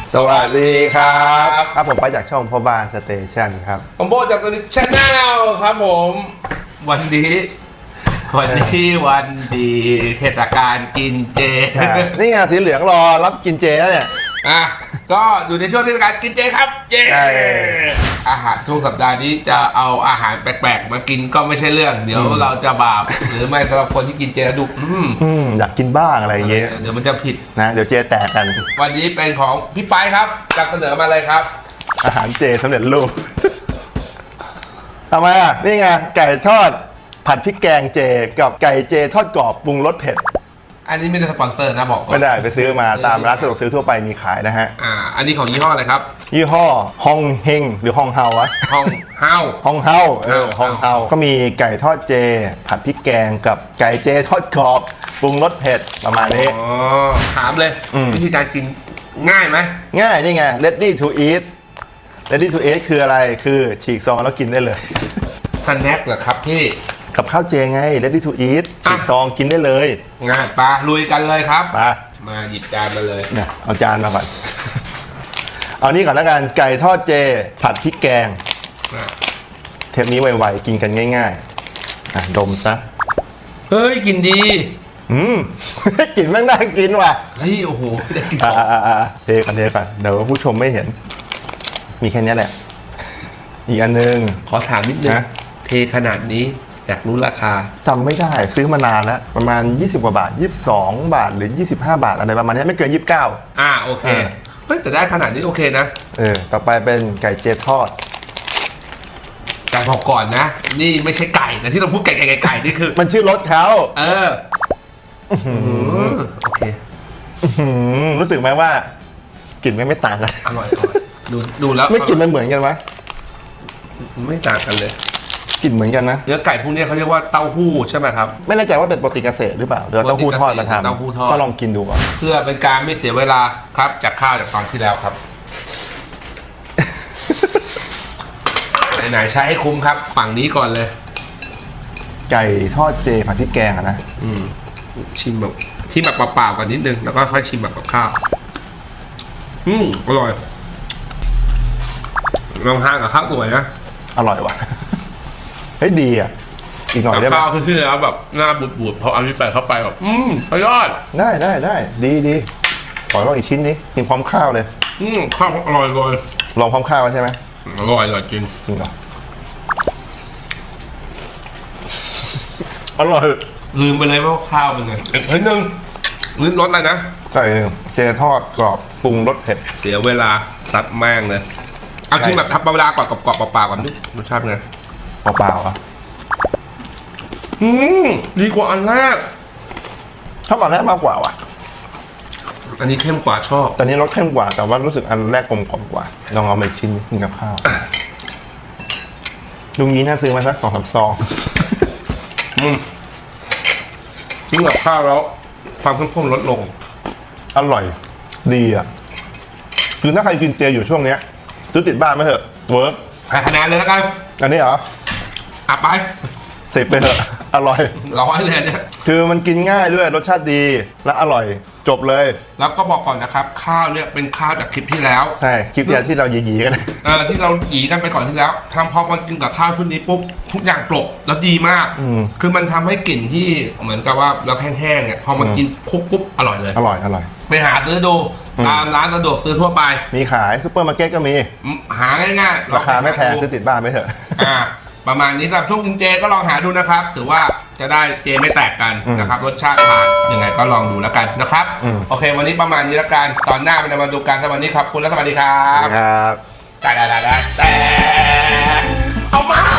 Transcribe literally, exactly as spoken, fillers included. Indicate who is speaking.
Speaker 1: สวัสดีครับครับผมไปจากช่องพ่อบ้านสเตชันครับ
Speaker 2: ผมโบจากตัวนี้ชาแนลครับผมวันนี้วันนี้วันดีเทศกาลกินเจ
Speaker 1: นี่ไงสีเหลืองรอรับกินเจแล้วเนี่ย
Speaker 2: อ่ะก็อยู่ในช่วงเทศกาลกินเจครับเจอาหารทุกสัปดาห์นี้จะเอาอาหารแปลกๆมากินก็ไม่ใช่เรื่องเดี๋ยวเราจะบาปหรือไม่สำหรับคนที่กินเจดุ
Speaker 1: อืมอยากกินบ้างอะไรอย่างเงี้ย
Speaker 2: เดี๋ยวมันจะผิด
Speaker 1: นะเดี๋ยวเจแตกกัน
Speaker 2: วันนี้เป็นของพี่ไปครับจัดเสนอมาเลยครับ
Speaker 1: อาหารเจสำเร็จรูปทำไมอ่ะนี่ไงไก่ทอดผัดพริกแกงเจกับไก่เจทอดกรอบปรุงรสเผ็ด
Speaker 2: อันนี้ไม่ได้สปอนเซอร์นะบอกก่อน
Speaker 1: ไม่ได้ไปซื้อมาตามร้านสะดวกซื้อทั่วไปมีขายนะฮะ
Speaker 2: อ่าอันนี้ของยี่ห้ออะไรครับ
Speaker 1: ยี่ห้อฮองเฮงหรือฮองเฮาวะ
Speaker 2: ฮองเฮา
Speaker 1: ฮองเฮาเออฮองเฮาก็มีไก่ทอดเจผัดพริกแกงกับไก่เจทอดกรอบปรุงรสเผ็ดประมาณนี้
Speaker 2: อ๋อถามเลยวิธีการกินง่ายไหม
Speaker 1: ง่ายนี่ไง ready to eat ready to eat คืออะไรคือฉีกซองแล้วกินได้เลย
Speaker 2: สแน็คเหรอครับพี่
Speaker 1: กับข้าวเจไง ready to eat ฉีกซองกินได้เลย
Speaker 2: ง่ายปะลุยกันเลยครับ
Speaker 1: มา
Speaker 2: มาหยิบจานมาเลย
Speaker 1: เนี่ยเอาจานมาก่อนเอานี่ก่อนแล้วกันไก่ทอดเจผัดพริกแกงเทปนี้ไวๆกินกันง่ายๆอ่ะดมซะ
Speaker 2: เฮ้ยกินดี
Speaker 1: อืมกลิ่นแม่งน่ากินว่ะ
Speaker 2: เฮ้ยโอ้โหได้กิน
Speaker 1: อ่าอ่าอ่าเทกันเทกันเดี๋ยวผู้ชมไม่เห็นมีแค่นี้แหละอีกอันนึง
Speaker 2: ขอถามนิดนึงเทขนาดนี้อยากรู้ราคา
Speaker 1: จำไม่ได้ซื้อมานานแล้วประมาณยี่สิบกว่าบาทยี่สิบสองบาทหรือยี่สิบห้าบาทอะไรประมาณนี้ไม่เกินยี่สิบเก้า
Speaker 2: อ่าโอเคเฮ้ยแต่ได้ขนาดนี้โอเคนะ
Speaker 1: เออต่อไปเป็นไก่เจทอด
Speaker 2: ไก่บอกก่อนนะนี่ไม่ใช่ไก่นะที่เราพูดไก่ไก่ไก่นี่คือ
Speaker 1: มันชื่อรสเขา
Speaker 2: เออโอเค
Speaker 1: รู้สึกไหมว่ากลิ่นไม่ไม่ต่างกัน
Speaker 2: อร่อยดูดูแล้ว
Speaker 1: ไม่กลิ่นมันเหมือนกันไหม
Speaker 2: ไม่ต่างกันเลย
Speaker 1: กลิ่นเหมือนกันนะ
Speaker 2: เนื้อไก่พวกนี้เขาเรียกว่าเต้าหู้ใช่ไหมครับ
Speaker 1: ไม่แน่ใจว่าเป็นโปรตีนเกษตรหรือเปล่าเดี๋ยวเต้าหู้ทอดมาทำ
Speaker 2: เต้าหู้ทอด
Speaker 1: ก็ลองกินดูก่อน
Speaker 2: เพื่อเป็นการไม่เสียเวลาครับจากข้าวจากตอนที่แล้วครับไหนๆใช้ให้คุ้มครับฝั่งนี้ก่อนเลย
Speaker 1: ไก่ทอดเจผัดพริกแกงอะนะ
Speaker 2: อืมชิมแบบที่แบบเปล่าๆก่อนนิดนึงแล้วก็ค่อยชิมแบบกับข้าวอืมอร่อยลองทานกับข้าวสวยนะ
Speaker 1: อร่อยว่ะเฮ้ยดีอ่ะอีกหน่อยได้ไหม
Speaker 2: ข้าวคือที่แล้วแบบหน้าบูดๆพอเอาที่ใส่เข้าไปแบบอืมยอด
Speaker 1: ได้ได้ได้ดีดีขอลองอีกชิ้นนี้กินพร้อมข้าวเลย
Speaker 2: อืมข้าวอร่อยเลย
Speaker 1: ลองพร้อมข้าวใช่ไหม
Speaker 2: อร่อยอร่อยจริง
Speaker 1: จริงเหรออร่อย
Speaker 2: ลืมไปเลยว่าข้าวเป็นไงเฮ้ยนึงลืมรสอะไรนะ
Speaker 1: ไก่เจทอดกรอบปรุงรสเผ็ด
Speaker 2: เสียเวลาตัดแม่งเลยเอาชิมแบบทับเวลาก่อนกรอบๆเปล่าๆก่อนดิรสชาติไง
Speaker 1: เปล่าๆอ่ะ
Speaker 2: อืมดีกว่าอันแรก
Speaker 1: ชอบอันแรกมากกว่าว่ะ
Speaker 2: อันนี้เข้มกว่าชอบ
Speaker 1: ตอนนี้รสเข้มกว่าแต่ว่ารู้สึกอันแรกกลมกล่อมกว่าลองเอาไปชิ้นกินกับข้าวลุงนี้น่าซื้อมาสักสองสามซอง
Speaker 2: อืมกินกับข้าวแล้วความเข้มข้นลดลง
Speaker 1: อร่อยดีอ่ะคือถ้าใครกินเจอยู่ช่วงเนี้ยซื้อติดบ้านไหมเถอะเวิร์ก
Speaker 2: ให้คะแนนเลยแล้วกัน
Speaker 1: อันนี้เหรอ
Speaker 2: อ่ะไป
Speaker 1: สิบไปเถอะอร่อย
Speaker 2: ร้อยเลยเนี่ย
Speaker 1: คือมันกินง่ายด้วยรสชาติดีและอร่อยจบเลย
Speaker 2: แล้วก็บอกก่อนนะครับข้าวเนี่ยเป็นข้าวจากคลิปที่แล้ว
Speaker 1: ใช่คลิปที่ที่เราหยีๆกัน
Speaker 2: เออที่เราหยีกันไปก่อนที่แล้วทำพอมากินกับข้าวชุดนี้ปุ๊บทุกอย่างกลบแล้วดีมากคือมันทำให้กลิ่นที่เหมือนกับว่าเราแห้งๆเนี่ยพอมากินคุกปุ๊บอร่อยเลย
Speaker 1: อร่อยอร่อย
Speaker 2: ไปหาซื้อดูตามร้านสะดวกซื้อทั่วไป
Speaker 1: มีขายซุปเปอร์มาร์เก็ตก็มี
Speaker 2: หาง่ายๆ
Speaker 1: ราคาไม่แพงซื้อติดบ้านไปเถอะ
Speaker 2: อ่าประมาณนี้สำหรับช่วงกินเจก็ลองหาดูนะครับถือว่าจะได้เจไม่แตกกันนะครับรสชาติผ่านยังไงก็ลองดูแล้วกันนะครับโอเควันนี้ประมาณนี้แล้วกันตอนหน้าเป็นมาดูการสวัสดีครับคุณและสวัสดีครับ
Speaker 1: ครับ
Speaker 2: แต่แต่แต่แต่เอามา